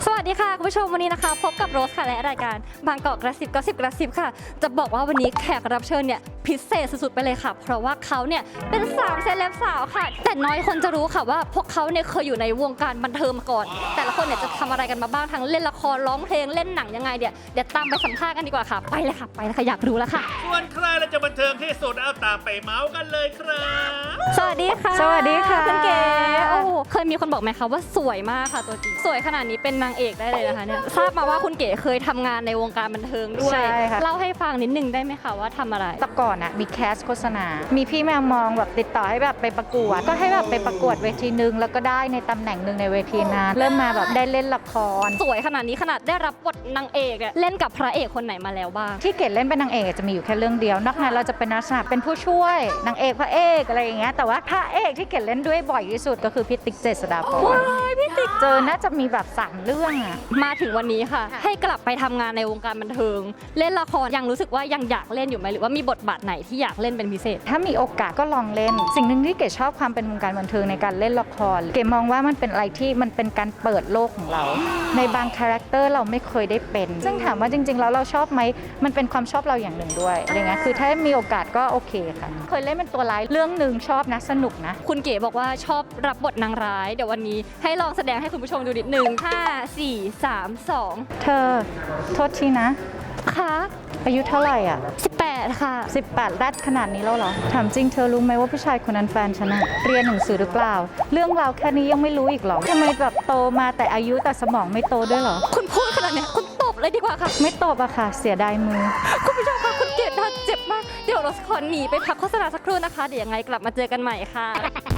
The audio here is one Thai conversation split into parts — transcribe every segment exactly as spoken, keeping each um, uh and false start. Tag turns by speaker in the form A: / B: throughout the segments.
A: สวัสดีค่ะคุณผู้ชมวันนี้นะคะพบกับโรสค่ะและรายการบางกอกกระซิบก็สิบกระซิบค่ะจะบอกว่าวันนี้แขกรับเชิญเนี่ยพิเศษสุดๆไปเลยค่ะเพราะว่าเขาเนี่ยเป็นสามเซเลบสาวค่ะแต่น้อยคนจะรู้ค่ะว่าพวกเขาเนี่ยเคยอยู่ในวงการบันเทิงมาก่อนแต่ละคนเนี่ยจะทำอะไรกันมาบ้างทั้งเล่นละครร้องเพลงเล่นหนังยังไงเดี๋ยวเดี๋ยวตามไปสัมภาษณ์กันดีกว่าค่ะไปเลยค่ะไปเลยค่ะอยากรู้แล้วค่ะ
B: ส่วนใครเราจะบันเทิงที่สุดเอาตามไปเมาส์กันเลยครับ
A: สวัสดีค่ะ
C: สวัสดีค่ะ
A: คุณเก๋โอ้เคยมีคนบอกไหมคะว่าสวยมากค่ะตัวจริงสวยขนาดนี้เป็นนางเอกได้เลยนะคะเนี่ยทราบมาว่าคุณเก๋เคยทำงานในวงการบันเทิงด้วย
C: ใช่ค่ะ
A: เล่าให้ฟังนิดนึงได้ไหมคะว่าทำอะไร
C: แต่ก่อนอะมีแคสโฆษณา มีพี่แมวมองแบบติดต่อให้แบบไปประกวด ก็ให้แบบไปประกวดเวทีหนึ่งแล้วก็ได้ในตำแหน่งหนึ่งในเวทีนั้นเริ่มมาแบบได้เล่นละคร
A: สวยขนาดนี้ขนาดได้รับบทนางเอกอะเล่นกับพระเอกคนไหนมาแล้วบ้าง
C: ที่เกดเล่นเป็นนางเอกจะมีอยู่แค่เรื่องเดียวนอกนั้นเราจะเป็นลักษณะเป็นผู้ช่วยนางเอกพระเอกอะไรอย่างเงี้ยแต่ว่าพระเอกที่เกดเล่นด้วยบ่อยที่สุดก็คือพี่ติ๊กเจษฎาพร
A: ว้ายพี่ติ๊ก
C: เจอน่าจะมีแบบสามเรื่องอะ
A: มาถึงวันนี้ค่ะ ให้กลับไปทำงานในวงการบันเทิง เล่นละครยังรู้สึกว่ายังอยากเล่นอยู่ไหมหรือว่ามีบทบาทไหนที่อยากเล่นเป็นพิเศษ
C: ถ้ามีโอกาสก็ลองเล่น สิ่งหนึ่งที่เกดชอบความเป็นวงการบันเทิงในการเล่นละครเกดมองว่ามันเป็นอะไรที่มันเป็นการเปิดโลกของเรา ในบางคาแรคเตอร์เราไม่เคยได้เป็น ซึ่งถามว่าจริงๆแล้วเราชอบไหมมันเป็นความชอบเราอย่างหนึ่งด้วยอะไรเงี้ยคือถ้ามีโอกาสก็โอเคค่ะเคยเล่นเป็นตัวร้ายเรื่องหนึ่งชอบนะสนุกนะ
A: คุณเก๋บอกว่าชอบรับบทนางร้าย เดี๋ยววันนี้ให้ลองแสดงให้คุณผู้ชมดูนิดนึงห้า สี่ สาม สอง
C: เธอโทษทีนะ
A: ค่ะ
C: อายุเท่าไหร่อ่ะ
A: สิบแปดค่ะ
C: สิบแปดแรดขนาดนี้แล้วเหรอถามจริงเธอรู้ไหมว่าผู้ชายคนนั้นแฟนฉันอะเรียนหนังสือหรือเปล่า เรื่องราวแค่นี้ยังไม่รู้อีกเหรอทำไมแบบโตมาแต่อายุแต่สมองไม่โตด้วยเหรอ
A: คุณพูดขนาดเนี้ยคุณตบเลยดีกว่าค่ะ
C: ไม่ตบอะค่ะเสียดายมือ
A: คุณผู้ชมคะคุณเกดน่าเจ็บมาก เดี๋ยวเราขอหนีไปพักโฆษณาสักครู่นะคะ เดี๋ยวยังไงกลับมาเจอกันใหม่ค่ะ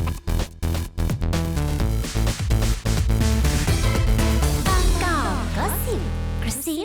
D: บางกอกก็สิบกระซิ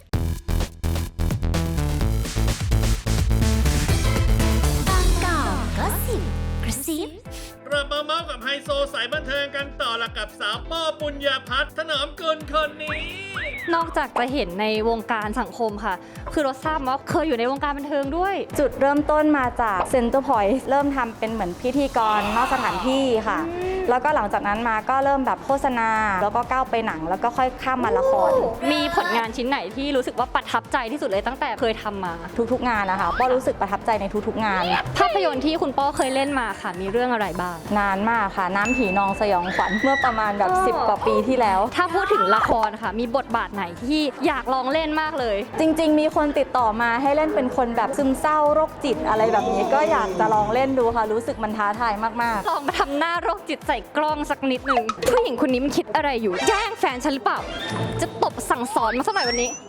D: บางกอกก็สิบกระซิบ
B: กลับมาเมาส์กับไฮโซสายบันเทิงกันต่อละกับสาวป้อปุญญาพัฒน์ถนอมกุลคนนี้
A: นอกจากจะเห็นในวงการสังคมค่ะ คือเราทราบมาว่าเคยอยู่ในวงการบันเทิงด้วย
E: จุดเริ่มต้นมาจากเซ็นเตอร์พอยต์เริ่มทำเป็นเหมือนพิธีกรนอกสถานที่ค่ะ แล้วก็หลังจากนั้นมาก็เริ่มแบบโฆษณา แล้วก็ก้าวไปหนัง แล้วก็ค่อยข้ามมาละคร
A: มีผลงานชิ้นไหนที่รู้สึกว่าประทับใจที่สุดเลยตั้งแต่เคยทำมา
E: ทุกๆงานนะคะป้อรู้สึกประทับใจในทุกๆงาน
A: ภาพยนตร์ที่คุณป้อเคยเล่นมาค่ะ มีเรื่องอะไรบ้าง
E: นานมากค่ะ น้ำผีนองสยองขวัญเมื่อประมาณแบบ
A: อ๋อ
E: สิบกว่าปีที่แล้ว
A: ถ้าพูดถึงละครค่ะ มีบทบาทไหนที่อยากลองเล่นมากเลย
E: จริงๆ มีคนติดต่อมาให้เล่นเป็นคนแบบซึมเศร้าโรคจิตอะไรแบบนี้ก็อยากจะลองเล่นดูค่ะ รู้สึกมันท้าทายมากๆ
A: ลองมาทำหน้าโรคจิตใส่กล้องสักนิดหนึ่งผู้หญิงคนนี้มันคิดอะไรอยู่ แย่งแฟนฉันหรือเปล่า จะตบสั่งสอนมาสักหน่อยวันนี้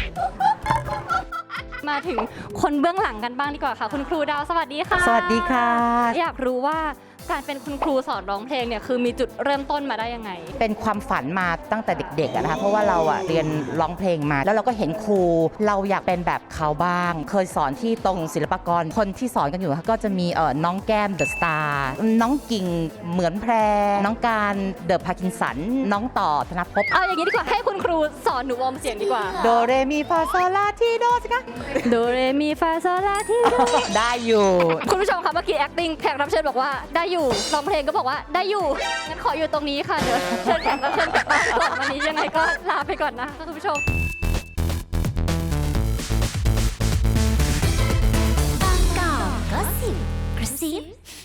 A: มาถึงคนเบื้องหลังกันบ้างดีกว่าค่ะ คุณครูดาวสวัสดีค่ะ
C: สวัสดีค่ะ
A: อยากรู้ว่าการเป็นคุณครูสอนร้องเพลงเนี่ยคือมีจุดเริ่มต้นมาได้ยังไง
F: เป็นความฝันมาตั้งแต่เด็กๆอะนะคะเพราะว่าเราอะเรียนร้องเพลงมา แล้วเราก็เห็นครูเราอยากเป็นแบบเขาบ้าง เคยสอนที่ตรงศิลปากรคนที่สอนกันอยู่ก็จะมีเอ่อน้องแก้มเดอะสตาร์น้องกิ่งเหมือนแพร น้องการเดอะพาร์กินสัน น้องต่อธนภพ
A: เอาอย่างนี้ดีกว่าให้คุณครูสอนหนูวอร์มเสียงดีกว่า
F: โดเรมีฟาโซลาทีโดสิคะ
A: โดเรมีฟาโซลาทีโด
F: ได้อยู่
A: คุณผู้ชมคะเมื่อกี้ acting แขกรับเชิญบอกว่าได้อยู่ร้องเพลงก็บอกว่าได้อยู่งั้นขออยู่ตรงนี้ค่ะเดี๋ยวเชิญแขกรับเชิญกลับบ้านก่อนวันนี้ยังไงก็ลาไปก่อนนะคะคุณผู้ชม
D: บางกอกก็สิบกระซิบ